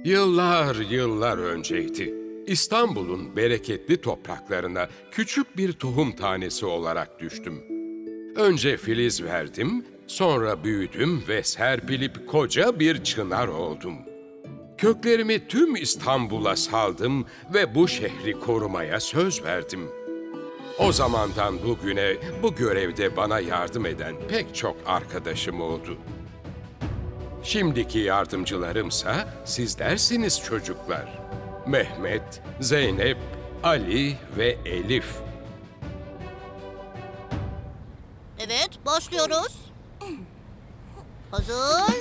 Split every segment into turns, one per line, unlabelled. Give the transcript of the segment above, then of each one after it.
Yıllar yıllar önceydi. İstanbul'un bereketli topraklarına küçük bir tohum tanesi olarak düştüm. Önce filiz verdim, sonra büyüdüm ve serpilip koca bir çınar oldum. Köklerimi tüm İstanbul'a saldım ve bu şehri korumaya söz verdim. O zamandan bugüne bu görevde bana yardım eden pek çok arkadaşım oldu. Şimdiki yardımcılarımsa sizlersiniz çocuklar. Mehmet, Zeynep, Ali ve Elif.
Evet, başlıyoruz. Hazır.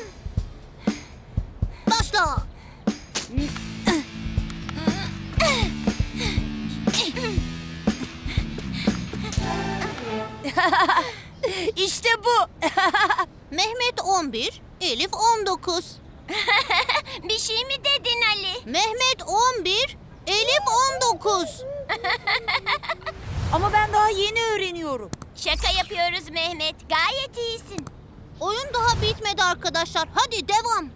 Başla.
İşte bu.
Mehmet 11, Elif 19.
Bir şey mi dedin Ali?
Mehmet 11, Elif 19.
Ama ben daha yeni öğreniyorum. Şaka yapıyoruz Mehmet. Gayet iyisin.
Oyun daha bitmedi arkadaşlar. Hadi devam.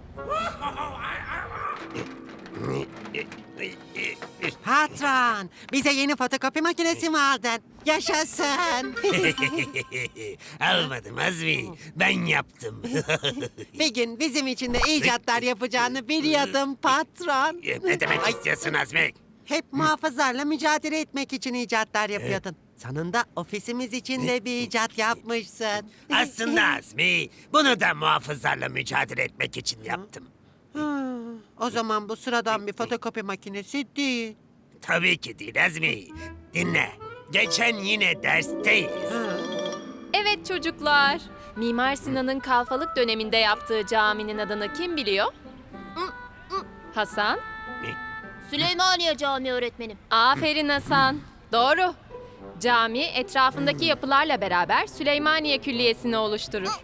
Patron, bize yeni fotokopi makinesi mi aldın? Yaşasın.
Almadım Azmi. Ben yaptım.
Bir gün bizim için de icatlar yapacağını biliyordum patron.
Ne demek istiyorsun Azmi?
Hep muhafızlarla mücadele etmek için icatlar yapıyordun. Sonunda ofisimiz için de bir icat yapmışsın.
Aslında Azmi, bunu da muhafızlarla mücadele etmek için yaptım.
O zaman bu sıradan bir fotokopi makinesi değil.
Tabii ki değil Azmi. Dinle. Geçen yine dersteyiz.
Evet çocuklar. Mimar Sinan'ın kalfalık döneminde yaptığı caminin adını kim biliyor? Hasan?
Süleymaniye Camii öğretmenim.
Aferin Hasan. Doğru. Cami etrafındaki yapılarla beraber Süleymaniye Külliyesi'ni oluşturur.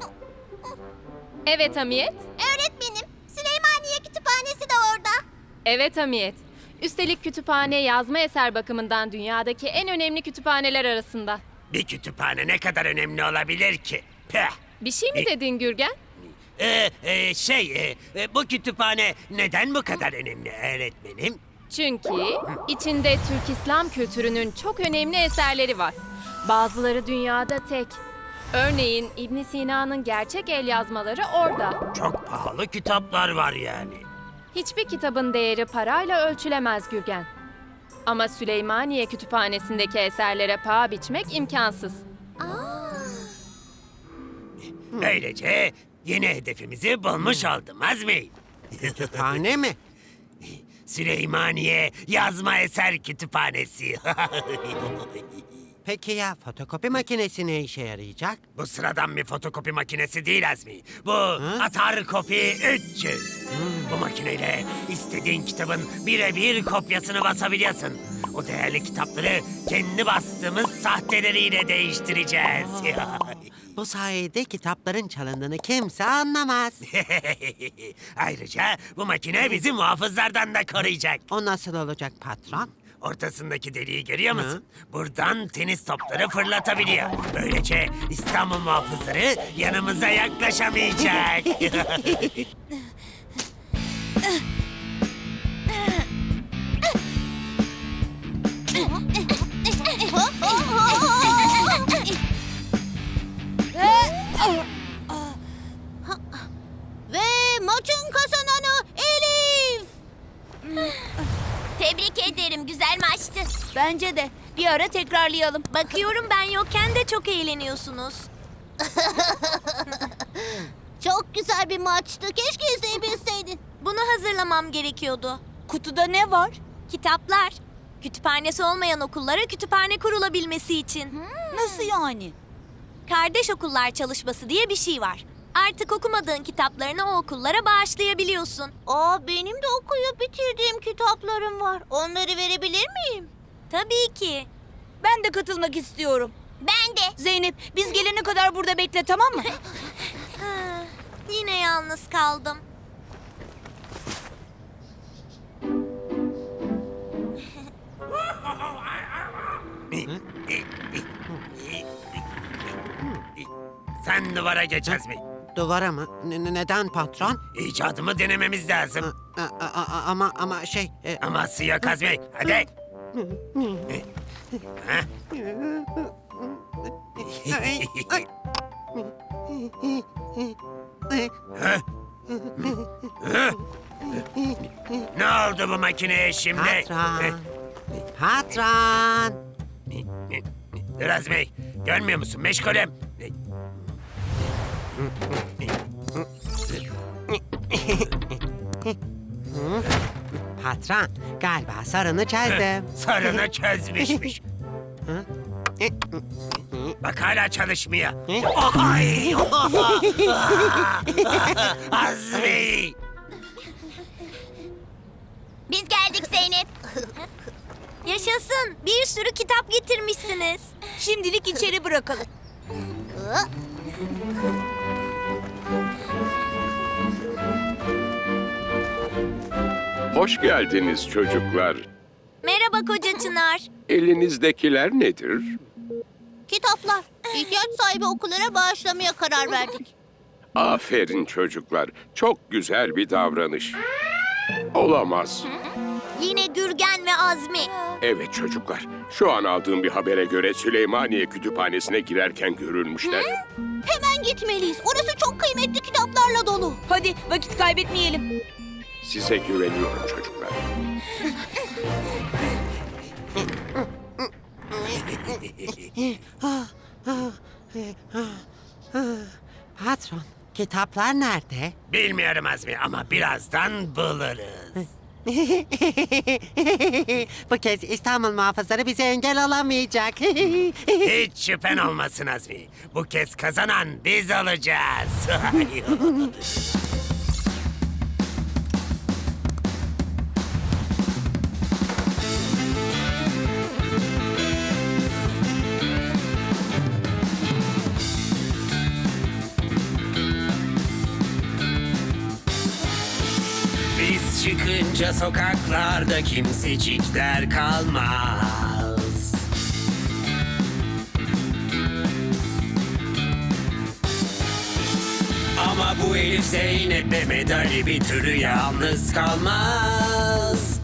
Evet Hamiyet.
Öğretmenim, Süleymaniye Kütüphanesi de orada.
Evet Hamiyet. Üstelik kütüphane yazma eser bakımından dünyadaki en önemli kütüphaneler arasında.
Bir kütüphane ne kadar önemli olabilir ki? Peh.
Bir şey mi dedin Gürgen?
Bu kütüphane neden bu kadar önemli öğretmenim?
Çünkü içinde Türk İslam kültürünün çok önemli eserleri var. Bazıları dünyada tek. Örneğin İbn Sina'nın gerçek el yazmaları orada.
Çok pahalı kitaplar var yani.
Hiçbir kitabın değeri parayla ölçülemez Gürgen. Ama Süleymaniye Kütüphanesi'ndeki eserlere paha biçmek imkansız.
Böylece yeni hedefimizi bulmuş oldum Azmi.
Kütüphane mi?
Süleymaniye Yazma Eser Kütüphanesi.
Peki ya fotokopi makinesi ne işe yarayacak?
Bu sıradan bir fotokopi makinesi değil Azmi. Bu Atar Kopi 300. Bu makineyle istediğin kitabın birebir kopyasını basabiliyorsun. O değerli kitapları kendi bastığımız sahteleriyle değiştireceğiz.
Bu sayede kitapların çalındığını kimse anlamaz.
Ayrıca bu makine bizi muhafızlardan da koruyacak.
O nasıl olacak patron?
Ortasındaki deliği görüyor musun? Buradan tenis topları fırlatabiliyor. Böylece İstanbul muhafızları yanımıza yaklaşamayacak.
Ve maçın kazananı Elif.
Tebrik ederim. Güzel maçtı. Bence de. Bir ara tekrarlayalım. Bakıyorum ben yokken de çok eğleniyorsunuz.
Çok güzel bir maçtı. Keşke izleyebilseydin.
Bunu hazırlamam gerekiyordu. Kutuda ne var? Kitaplar. Kütüphanesi olmayan okullara kütüphane kurulabilmesi için. Nasıl yani? Kardeş okullar çalışması diye bir şey var. Artık okumadığın kitaplarını o okullara bağışlayabiliyorsun.
Benim de okuyup bitirdiğim kitaplarım var. Onları verebilir miyim?
Tabii ki.
Ben de katılmak istiyorum.
Ben de.
Zeynep, biz gelene kadar burada bekle, tamam mı?
Yine yalnız kaldım.
Sen duvara geç Azmi.
Duvara mı? Neden patron?
İcadımı denememiz lazım.
Ama şey...
Aması yok Azmi. Hadi. Ha? Ha? Ne oldu bu makineye şimdi?
Patron. Patron.
Dur Azmi. Görmüyor musun? Meşgulüm.
Patron, galiba sorunu çözdüm.
Sorunu çözmüşmüş. Bak hala çalışmıyor. Ay! Azmi!
Biz geldik Zeynep.
Yaşasın. Bir sürü kitap getirmişsiniz.
Şimdilik içeri bırakalım.
Hoş geldiniz çocuklar.
Merhaba Koca Çınar.
Elinizdekiler nedir?
Kitaplar. İhtiyaç sahibi okullara bağışlamaya karar verdik.
Aferin çocuklar. Çok güzel bir davranış. Olamaz.
Yine Gürgen ve Azmi.
Evet çocuklar. Şu an aldığım bir habere göre Süleymaniye Kütüphanesi'ne girerken görülmüşler.
Hemen gitmeliyiz. Orası çok kıymetli kitaplarla dolu.
Hadi vakit kaybetmeyelim.
Size güveniyorum çocuklar.
Patron, kitaplar nerede?
Bilmiyorum Azmi ama birazdan buluruz.
Bu kez İstanbul muhafızları bize engel olamayacak.
Hiç şüphen olmasın Azmi. Bu kez kazanan biz olacağız. Biz çıkınca sokaklarda kimsecikler kalmaz. Ama bu Elif Zeynep Mehmet Ali bir türlü yalnız kalmaz.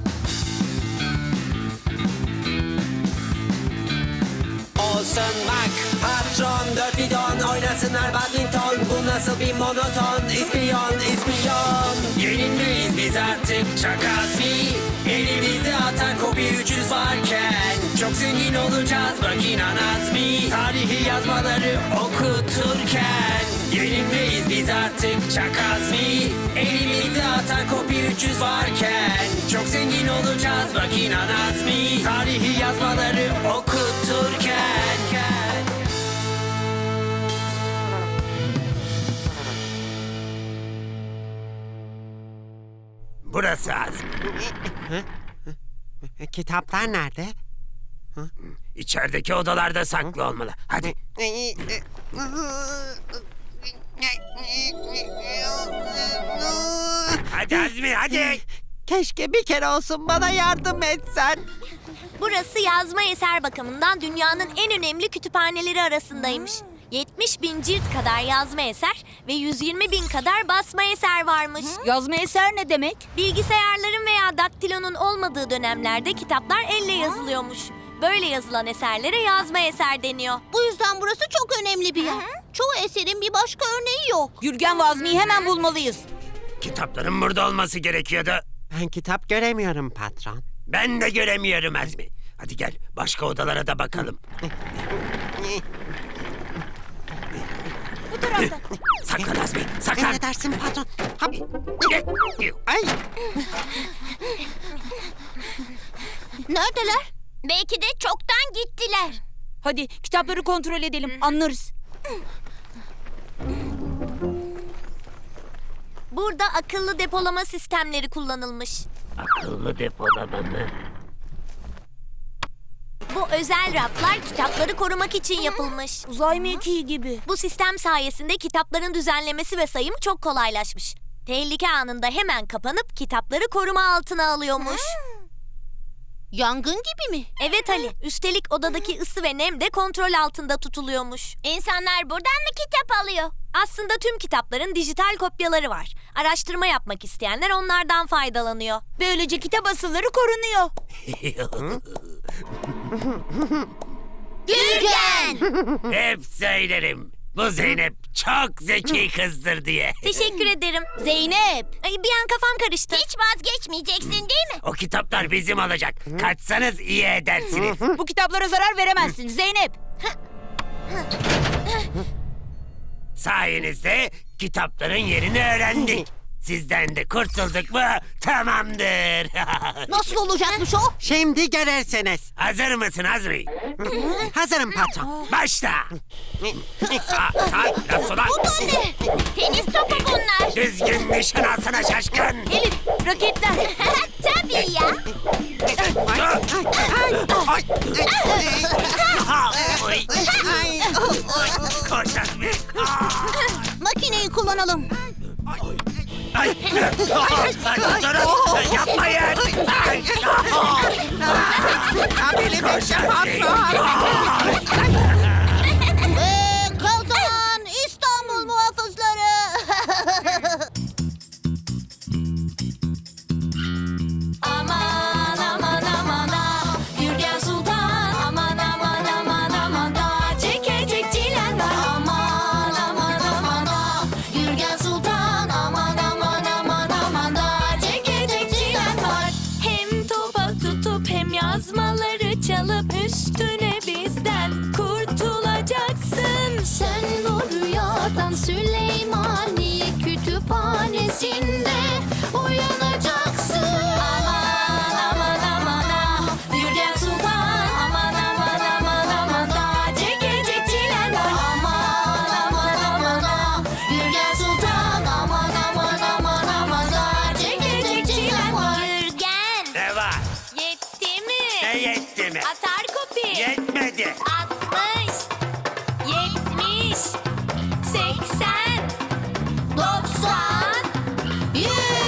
Olsun bak patron dört bidon oynasınlar badminton. Bu nasıl bir monoton ispiyon ispiyon. Yenilmeyiz biz artık çakasi. Elimizde atar kopi 300 varken. Çok zengin olacağız bak inan Azmi. Tarihi yazmaları okuturken. Yenilmeyiz biz artık çakazmi. Elimizde atar kopi 300 varken. Çok zengin olacağız bak inan Azmi. Tarihi yazmaları okuturken. Burası Azmi.
Kitaplar nerede?
İçerideki odalarda saklı olmalı. Hadi. Hadi Azmi hadi.
Keşke bir kere olsun bana yardım etsen.
Burası yazma eser bakımından dünyanın en önemli kütüphaneleri arasındaymış. 70.000 cilt kadar yazma eser ve 120.000 kadar basma eser varmış.
Yazma eser ne demek?
Bilgisayarların veya daktilonun olmadığı dönemlerde kitaplar elle yazılıyormuş. Böyle yazılan eserlere yazma eser deniyor.
Bu yüzden burası çok önemli bir yer. Çoğu eserin bir başka örneği yok.
Gürgen ve Azmi'yi hemen bulmalıyız.
Kitapların burada olması gerekiyordu.
Ben kitap göremiyorum patron.
Ben de göremiyorum Azmi. Hadi gel başka odalara da bakalım.
Bu tarafta.
Saklan Azmi saklan.
Emredersin patron. Hap. Ay.
Neredeler? Belki de çoktan gittiler.
Hadi kitapları kontrol edelim. Anlarız.
Burada akıllı depolama sistemleri kullanılmış.
Akıllı depolama mı?
Bu özel raflar kitapları korumak için yapılmış.
Uzay mekiği gibi.
Bu sistem sayesinde kitapların düzenlemesi ve sayımı çok kolaylaşmış. Tehlike anında hemen kapanıp kitapları koruma altına alıyormuş.
Yangın gibi mi?
Evet Ali, üstelik odadaki ısı ve nem de kontrol altında tutuluyormuş.
İnsanlar buradan mı kitap alıyor?
Aslında tüm kitapların dijital kopyaları var. Araştırma yapmak isteyenler onlardan faydalanıyor.
Böylece kitap asılları korunuyor.
Gürgen!
Hep söylerim. Bu Zeynep çok zeki kızdır diye.
Teşekkür ederim.
Zeynep.
Ay, bir an kafam karıştı.
Hiç vazgeçmeyeceksin değil mi?
O kitaplar bizim olacak. Kaçsanız iyi edersiniz.
Bu kitaplara zarar veremezsin Zeynep.
Sayenizde kitapların yerini öğrendik. Sizden de kurtulduk mu tamamdır.
Nasıl olacakmış o?
Şimdi görürsünüz.
Hazır mısın Azmi?
Hazırım patron.
Başla. Sağ, biraz sola.
Bu da ne? Tenis topu bunlar.
Düzgün nişan alsana şaşkın.
Elif, raketler.
Tabii ya.
Oy. Koş Azmi.
Makineyi kullanalım.
Ay. Durun. Yapmayın. Ay.
Abili bekle patron.
Kazan İstanbul muhafızları.
Aman aman aman ah, Gürgen Sultan. Aman aman aman aman da çekecek çilen var. Aman aman aman ah, Gürgen Sultan. Aman aman aman aman da çekecek çilen var. Hem topa tutup hem yazmaları çalıp üstüne bizden kurtulacaksın. Sen bu rüyadan Süleymaniye kütüphanesinde uyanacaksın. Aman aman aman ah, Gürgen Sultan. Aman aman aman aman da çekecek çilen var. Aman aman aman ah, Gürgen Sultan. Aman aman aman aman da çekecek çilen var. Gürgen,
Ne var?
yetti mi?
Ne yetti mi?
Atar kopi.
Yetmedi.
60, 70, 80, 90, 100.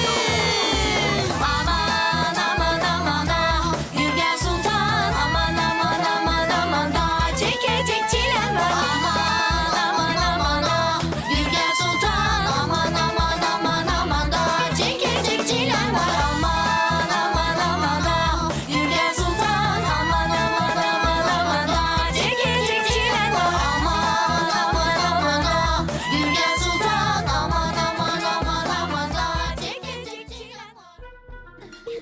Aman aman aman ah, Gürgen Sultan. Aman aman aman aman da çekecek çilen var. Aman aman aman ah, Gürgen Sultan. Aman aman aman aman da çekecek çilen var. Aman aman aman ah, Gürgen Sultan. Aman aman aman aman da çekecek çilen var. Aman aman aman ah, Gürgen Sultan. Aman aman aman aman da çekecek çilen var.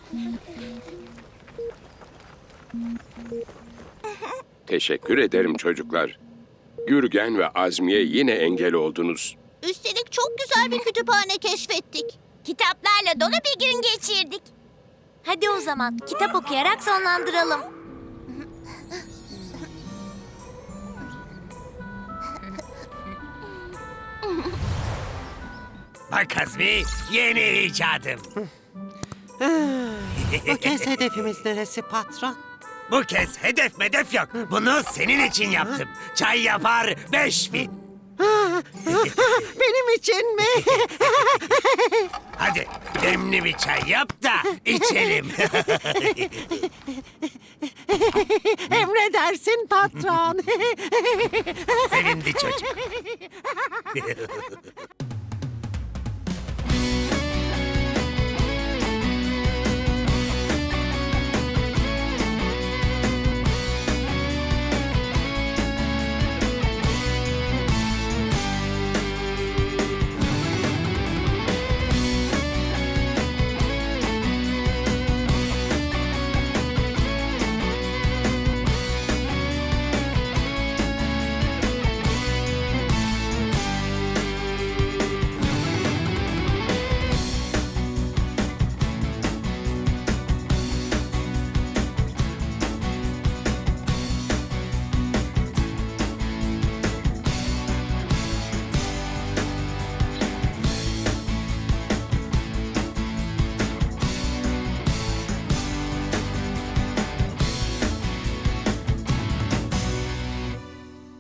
Teşekkür ederim çocuklar. Gürgen ve Azmi'ye yine engel oldunuz.
Üstelik çok güzel bir kütüphane keşfettik. Kitaplarla dolu bir gün geçirdik.
Hadi o zaman kitap okuyarak sonlandıralım.
Bak Azmi, yeni icadım.
Bu kez hedefimiz neresi patron?
Bu kez hedef medef yok. Bunu senin için yaptım. Çay yapar 5000.
Benim için mi?
Hadi demli bir çay yap da içelim.
Emredersin patron.
Sevindi çocuk.